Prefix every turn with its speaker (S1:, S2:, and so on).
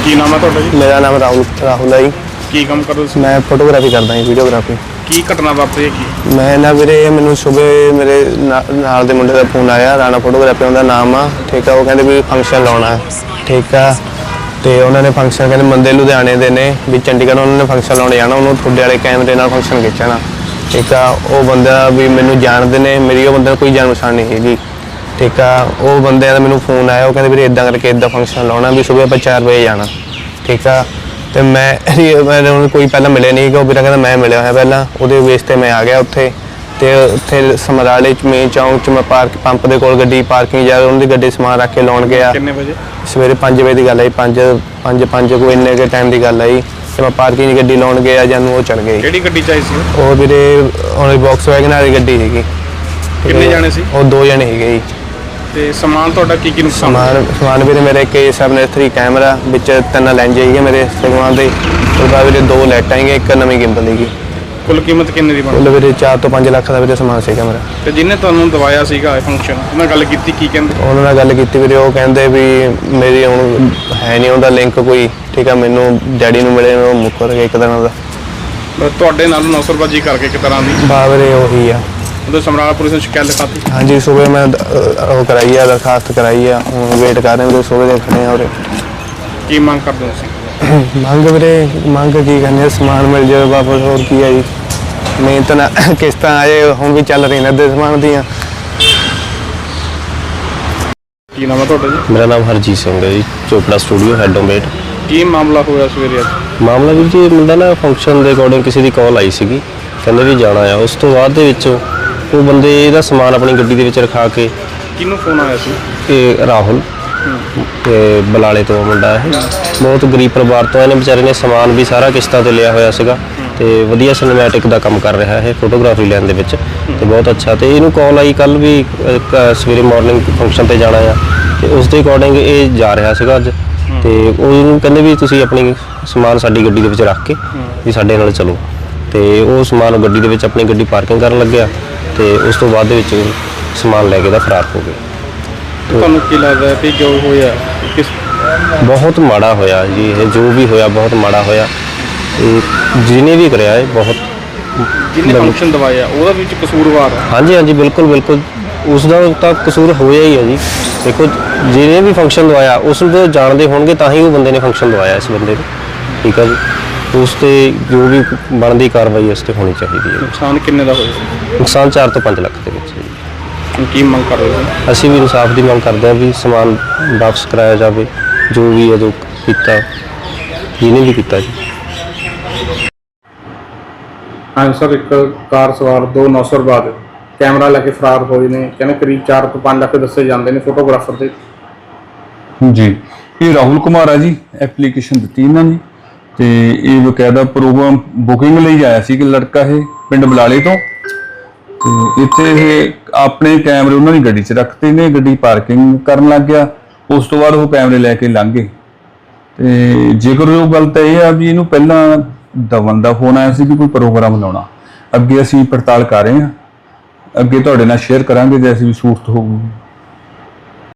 S1: ਕੀ ਨਾਮ ਹੈ ਤੁਹਾਡਾ ਜੀ?
S2: ਮੇਰਾ ਨਾਮ ਰਾਹੁਲ ਹੈ ਜੀ।
S1: ਕੀ ਕੰਮ ਕਰਦੇ ਤੁਸੀਂ?
S2: ਮੈਂ ਫੋਟੋਗ੍ਰਾਫੀ ਕਰਦਾ ਜੀ, ਵੀਡੀਓਗ੍ਰਾਫੀ।
S1: ਕੀ ਘਟਨਾ ਵਾਪਰੀ ਹੈ ਕੀ?
S2: ਮੈਂ ਨਾ ਵੀਰੇ, ਮੈਨੂੰ ਸਵੇਰੇ ਮੇਰੇ ਨਾਲ ਦੇ ਮੁੰਡੇ ਦਾ ਫੋਨ ਆਇਆ, ਰਾਣਾ ਫੋਟੋਗ੍ਰਾਫੀ ਉਹਦਾ ਨਾਮ ਆ, ਠੀਕ ਆ। ਉਹ ਕਹਿੰਦੇ ਵੀ ਫੰਕਸ਼ਨ ਲਾਉਣਾ, ਠੀਕ ਆ। ਤੇ ਉਹਨਾਂ ਨੇ ਫੰਕਸ਼ਨ ਕਹਿੰਦੇ ਬੰਦੇ ਲੁਧਿਆਣੇ ਦੇ ਨੇ ਵੀ ਚੰਡੀਗੜ੍ਹ, ਉਹਨਾਂ ਨੇ ਫੰਕਸ਼ਨ ਲਾਉਣ ਜਾਣਾ, ਉਹਨੂੰ ਤੁਹਾਡੇ ਵਾਲੇ ਕੈਮਰੇ ਨਾਲ ਫੰਕਸ਼ਨ ਖਿੱਚਣਾ, ਠੀਕ ਆ। ਉਹ ਬੰਦਾ ਵੀ ਮੈਨੂੰ ਜਾਣਦੇ ਨੇ, ਮੇਰੀ ਉਹ ਬੰਦੇ ਨੂੰ ਕੋਈ ਜਾਣ ਪਛਾਣ ਨਹੀਂ ਹੈਗੀ, ਠੀਕ ਆ। ਉਹ ਬੰਦਿਆਂ ਦਾ ਮੈਨੂੰ ਫੋਨ ਆਇਆ, ਉਹ ਕਹਿੰਦੇ ਵੀਰੇ ਇੱਦਾਂ ਕਰਕੇ ਇੱਦਾਂ ਫੰਕਸ਼ਨ ਲਾਉਣਾ ਵੀ ਸੁਬਹ ਆਪਾਂ 4 ਵਜੇ ਜਾਣਾ, ਠੀਕ ਆ। ਤੇ ਮੈਂ ਉਹਨੂੰ ਕੋਈ ਪਹਿਲਾਂ ਮਿਲਿਆ ਨਹੀਂ ਗਾ, ਉਹ ਵੀਰਾ ਕਹਿੰਦਾ ਮੈਂ ਮਿਲਿਆ ਹੋਇਆ ਪਹਿਲਾਂ, ਉਹਦੇ ਬੇਸ 'ਤੇ ਮੈਂ ਆ ਗਿਆ ਉੱਥੇ। ਤੇ ਉੱਥੇ ਸਮਰਾਲੇ 'ਚ ਮੇਨ ਚੌਂਕ 'ਚ ਮੈਂ ਪੰਪ ਦੇ ਕੋਲ ਗੱਡੀ ਪਾਰਕਿੰਗ ਜਾ ਉਹਨਾਂ ਦੀ ਗੱਡੀ ਸਮਾਨ ਰੱਖ ਕੇ ਲਾਉਣ ਗਿਆ।
S1: ਕਿੰਨੇ ਵਜੇ? ਸਵੇਰੇ
S2: 5 ਵਜੇ ਦੀ ਗੱਲ ਹੈ, 5 ਕੋਈ ਇੰਨੇ ਕੁ ਟਾਈਮ ਦੀ ਗੱਲ ਹੈ। ਤੇ ਮੈਂ ਪਾਰਕਿੰਗ 'ਚ ਗੱਡੀ ਲਾਉਣ ਗਿਆ, ਜਾਨੂੰ ਉਹ ਚੜ ਗਏ।
S1: ਕਿਹੜੀ ਗੱਡੀ ਚਾਹੀ ਸੀ?
S2: ਉਹ ਵੀਰੇ ਉਹਨੇ ਬਾਕਸ ਵੈਗਨ ਵਾਲੀ ਗੱਡੀ ਸੀਗੀ।
S1: ਕਿੰਨੇ ਜਾਣੇ ਸੀ?
S2: ਉਹ 2 ਜਣੇ ਸੀਗੇ ਜੀ।
S1: ਤੇ ਸਮਾਨ ਤੁਹਾਡਾ ਕੀ ਕੀ ਨੁਕਸਾਨ?
S2: ਸਮਾਨ ਵੀਰੇ ਮੇਰੇ K7S3 ਕੈਮਰਾ ਵਿੱਚ 3 ਲੈਂਜ ਹੈਗੇ ਮੇਰੇ ਸਮਾਨ ਦੇ, ਉਹਦੇ ਬਾਅਦ ਵੀਰੇ 2 ਲਾਈਟਾਂ ਹੈਗੀਆਂ, 1 ਨਵੀਂ ਗਿੰਬਲ ਹੈਗੀ।
S1: ਕੁੱਲ ਕੀਮਤ ਕਿੰਨੇ ਦੀ ਬਣੀ?
S2: ਕੁੱਲ ਵੀਰੇ 4 ਤੋਂ 5 ਲੱਖ ਦਾ ਵੀਰੇ ਸਮਾਨ ਸੀਗਾ ਮੇਰਾ।
S1: ਤੇ ਜਿਹਨੇ ਤੁਹਾਨੂੰ ਦਵਾਇਆ ਸੀਗਾ ਇਹ ਫੰਕਸ਼ਨ, ਉਹਨਾਂ ਨਾਲ ਗੱਲ ਕੀਤੀ, ਕੀ ਕਹਿੰਦੇ?
S2: ਉਹਨਾਂ ਨਾਲ ਗੱਲ ਕੀਤੀ ਵੀਰੇ, ਉਹ ਕਹਿੰਦੇ ਵੀ ਮੇਰੀ ਹੁਣ ਹੈ ਨਹੀਂ ਉਹਦਾ ਲਿੰਕ ਕੋਈ, ਠੀਕ ਆ। ਮੈਨੂੰ ਡੈਡੀ ਨੂੰ ਮਿਲੇ, ਉਹ ਮੁੱਕਰ ਗਿਆ ਇੱਕ ਦਿਨ ਦਾ।
S1: ਤੁਹਾਡੇ ਨਾਲ ਨੌਸਰਬਾਜੀ ਕਰਕੇ ਇੱਕ ਤਰ੍ਹਾਂ ਦੀ?
S2: ਬਾ ਵੀਰੇ ਉਹੀ ਆ।
S1: ਉਹਦੇ ਸਮਰਾਲਾ ਪੁਲਿਸ ਨੇ ਸ਼ਿਕਾਇਤ ਲਿਖਾਤੀ?
S2: ਹਾਂਜੀ, ਸੁਬਹ ਮੈਂ ਉਹ ਕਰਾਈ ਆ, ਦਰਖਾਸਤ ਕਰਾਈ ਆ, ਹੁਣ ਵੇਟ ਕਰ ਰਹੇ ਵੀਰੇ, ਸੁਬਹ ਦੇ ਖੜੇ ਆ ਉਰੇ।
S1: ਕੀ ਮੰਗ ਕਰਦੇ ਹੋ ਤੁਸੀਂ?
S2: ਮੰਗ ਵੀਰੇ, ਮੰਗ ਕੀ ਕਰਨੀ ਆ, ਸਮਾਨ ਮਿਲ ਜਾਵੇ ਵਾਪਸ, ਹੋਰ ਕੀ ਆ ਜੀ। ਮਿਹਨਤ ਨਾਲ ਕਿਸ਼ਤਾਂ ਆਏ, ਹੁਣ ਵੀ ਚੱਲ ਰਹੀਆਂ ਨੇ ਸਮਾਨ ਦੀਆਂ।
S1: ਕੀ ਨਾਮ ਹੈ ਤੁਹਾਡਾ ਜੀ?
S3: ਮੇਰਾ ਨਾਮ ਹਰਜੀਤ ਸਿੰਘ ਹੈ ਜੀ, ਚੋਪੜਾ ਸਟੂਡੀਓ ਹੈਡੋਮੇਟ।
S1: ਕੀ ਮਾਮਲਾ ਹੋਇਆ ਸਵੇਰੇ ਅੱਜ?
S3: ਮਾਮਲਾ ਵੀਰ ਜੀ, ਮੁੰਡਾ ਨਾ ਫੰਕਸ਼ਨ ਦੇ ਅਕੋਰਡਿੰਗ ਕਿਸੇ ਦੀ ਕਾਲ ਆਈ ਸੀਗੀ, ਕਹਿੰਦੇ ਵੀ ਜਾਣਾ ਆ। ਉਸ ਤੋਂ ਬਾਅਦ ਦੇ ਵਿੱਚ ਉਹ ਬੰਦੇ ਇਹਦਾ ਸਮਾਨ ਆਪਣੀ ਗੱਡੀ ਦੇ ਵਿੱਚ ਰਖਾ ਕੇ।
S1: ਕਿਹਨੂੰ ਫੋਨ ਆਇਆ ਸੀ?
S3: ਇਹ ਰਾਹੁਲ ਤੇ ਬਲਾਲੇ ਤੋਂ ਮੁੰਡਾ, ਇਹ ਬਹੁਤ ਗਰੀਬ ਪਰਿਵਾਰ ਤੋਂ। ਇਹਨੇ ਵਿਚਾਰੇ ਨੇ ਸਮਾਨ ਵੀ ਸਾਰਾ ਕਿਸ਼ਤਾਂ ਤੇ ਲਿਆ ਹੋਇਆ ਸੀਗਾ, ਤੇ ਵਧੀਆ ਸਿਨੇਮੈਟਿਕ ਦਾ ਕੰਮ ਕਰ ਰਿਹਾ ਹੈ ਫੋਟੋਗ੍ਰਾਫੀ ਲੈਣ ਦੇ ਵਿੱਚ, ਤੇ ਬਹੁਤ ਅੱਛਾ। ਤੇ ਇਹਨੂੰ ਕਾਲ ਆਈ ਕੱਲ ਵੀ ਸਵੇਰੇ ਮਾਰਨਿੰਗ ਫੰਕਸ਼ਨ ਤੇ ਜਾਣਾ ਆ, ਤੇ ਉਸ ਦੇ ਅਕੋਰਡਿੰਗ ਇਹ ਜਾ ਰਿਹਾ ਸੀਗਾ ਅੱਜ। ਤੇ ਉਹਨੂੰ ਕਹਿੰਦੇ ਵੀ ਤੁਸੀਂ ਆਪਣੀ ਸਮਾਨ ਸਾਡੀ ਗੱਡੀ ਦੇ ਵਿੱਚ ਰੱਖ ਕੇ ਵੀ ਸਾਡੇ ਨਾਲ ਚਲੋ। ਤੇ ਉਹ ਸਮਾਨ ਗੱਡੀ ਦੇ ਵਿੱਚ ਆਪਣੀ ਗੱਡੀ ਪਾਰਕਿੰਗ ਕਰਨ ਲੱਗਿਆ, ਤੇ ਉਸ ਤੋਂ ਬਾਅਦ ਦੇ ਵਿੱਚ ਸਮਾਨ ਲੈ ਕੇ ਦਾ ਫਰਾਰ ਹੋ ਗਏ।
S1: ਤੁਹਾਨੂੰ ਕੀ ਲੱਗਦਾ ਕਿ ਜੋ ਹੋਇਆ ਕਿਸ?
S3: ਬਹੁਤ ਮਾੜਾ ਹੋਇਆ ਜੀ, ਇਹ ਜੋ ਵੀ ਹੋਇਆ ਬਹੁਤ ਮਾੜਾ ਹੋਇਆ। ਇਹ ਜਿਹਨੇ ਵੀ ਕਰਿਆ ਇਹ ਬਹੁਤ,
S1: ਜਿਹਨੇ ਫੰਕਸ਼ਨ ਦਵਾਇਆ ਉਹਦਾ ਵਿੱਚ ਕਸੂਰਵਾਰ ਹੈ।
S3: ਹਾਂਜੀ ਹਾਂਜੀ, ਬਿਲਕੁਲ ਬਿਲਕੁਲ, ਉਸ ਦਾ ਤਾਂ ਕਸੂਰ ਹੋਇਆ ਹੀ ਹੈ ਜੀ। ਦੇਖੋ, ਜਿਹਨੇ ਵੀ ਫੰਕਸ਼ਨ ਦਵਾਇਆ ਉਸ ਨੂੰ ਜਾਣਦੇ ਹੋਣਗੇ ਤਾਂ ਹੀ ਉਹ ਬੰਦੇ ਨੇ ਫੰਕਸ਼ਨ ਦਵਾਇਆ ਇਸ ਬੰਦੇ ਨੂੰ, ਠੀਕ ਹੈ ਜੀ। ਉਸ 'ਤੇ ਜੋ ਵੀ ਬਣਦੀ ਕਾਰਵਾਈ ਉਸ 'ਤੇ ਹੋਣੀ ਚਾਹੀਦੀ ਹੈ।
S1: ਨੁਕਸਾਨ ਕਿੰਨੇ ਦਾ ਹੋਇਆ?
S3: ਨੁਕਸਾਨ 4 ਤੋਂ 5 ਲੱਖ ਦੇ ਵਿੱਚ ਹੈ ਜੀ।
S1: ਕੀ ਮੰਗ ਕਰ ਰਹੇ ਹੋ?
S3: ਅਸੀਂ ਵੀ ਇਨਸਾਫ ਦੀ ਮੰਗ ਕਰਦੇ ਹਾਂ ਵੀ ਸਮਾਨ ਵਾਪਸ ਕਰਾਇਆ ਜਾਵੇ, ਜੋ ਵੀ ਹੈ, ਜੋ ਕੀਤਾ ਜਿਹਨੇ ਵੀ ਕੀਤਾ ਜੀ।
S1: ਹਾਂ ਸਰ, ਇੱਕ ਕਾਰ ਸਵਾਰ 2 ਨੌਸਰਬਾਦ ਕੈਮਰਾ ਲੈ ਕੇ ਫਰਾਰ ਹੋਏ ਨੇ, ਕਹਿੰਦੇ ਕਰੀਬ 4 ਤੋਂ 5 ਲੱਖ ਦੱਸੇ ਜਾਂਦੇ ਨੇ ਫੋਟੋਗ੍ਰਾਫਰ ਦੇ
S4: ਜੀ। ਇਹ ਰਾਹੁਲ ਕੁਮਾਰ ਆ ਜੀ, ਐਪਲੀਕੇਸ਼ਨ ਦਿੱਤੀ ਇਹਨਾਂ ਨੇ, ਤੇ ਇਹ ਬਕਾਇਦਾ ਪ੍ਰੋਗਰਾਮ ਬੁਕਿੰਗ ਲਈ ਆਇਆ ਸੀ ਕਿ ਲੜਕਾ ਇਹ ਪਿੰਡ ਬਲਾਲੇ ਤੋਂ। ਤੇ ਇੱਥੇ ਇਹ ਆਪਣੇ ਕੈਮਰੇ ਉਹਨਾਂ ਦੀ ਗੱਡੀ 'ਚ ਰੱਖਤੇ ਨੇ, ਗੱਡੀ ਪਾਰਕਿੰਗ ਕਰਨ ਲੱਗ ਗਿਆ। ਉਸ ਤੋਂ ਬਾਅਦ ਉਹ ਕੈਮਰੇ ਲੈ ਕੇ ਲੰਘ ਗਏ। ਤੇ ਜੇਕਰ ਉਹ ਗੱਲ ਤਾਂ ਇਹ ਆ ਵੀ ਇਹਨੂੰ ਪਹਿਲਾਂ ਦਵਨ ਦਾ ਫੋਨ ਆਇਆ ਸੀ ਕਿ ਕੋਈ ਪ੍ਰੋਗਰਾਮ ਲਾਉਣਾ। ਅੱਗੇ ਅਸੀਂ ਪੜਤਾਲ ਕਰ ਰਹੇ ਹਾਂ, ਅੱਗੇ ਤੁਹਾਡੇ ਨਾਲ ਸ਼ੇਅਰ ਕਰਾਂਗੇ ਜੈਸੀ ਵੀ ਸੂਰਤ ਹੋਊਗੀ।